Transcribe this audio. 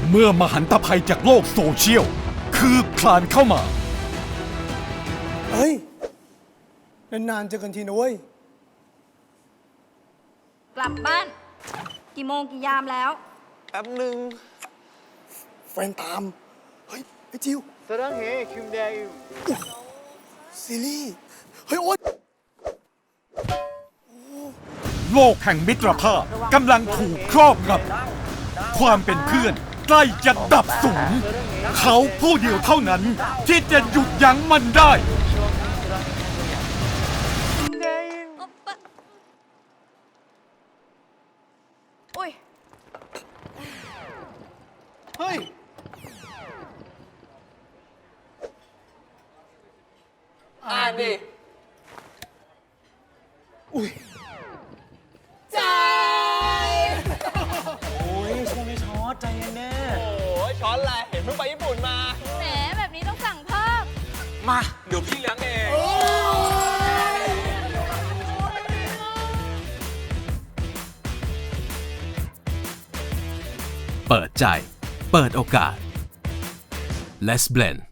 เมื่อมหันตภัยจากโลกโซเชียลคืบคลานเข้ามาเฮ้ย นานๆเจอกันทีนะเว้ยกลับบ้าน กี่โมงกี่ยามแล้วแป๊บหนึ่งแฟนตาม เฮ้ย ไอ้จิวสรังเฮคิมเดย์ซีรีส์เฮ้ย โอ๊ยโลกแห่งมิตรภาพกำลังถูกครอบงำความเป็นเพื่อนใกล้จะดับสูญเขาผู้เดียวเท่านั้นที่จะหยุดยั้งมันได้อุ้ยเฮ้ย อ่านดิอุ้ยโอ้ยช่วงนี้ช็อตใจเย็นแน่โอ้ยช็อตอะไรเห็นเพิ่งไปญี่ปุ่นมาแหมแบบนี้ต้องสั่งเพิ่มมา เดี๋ยวพี่เลี้ยงเองเปิดใจ เปิดโอกาส Let's Blend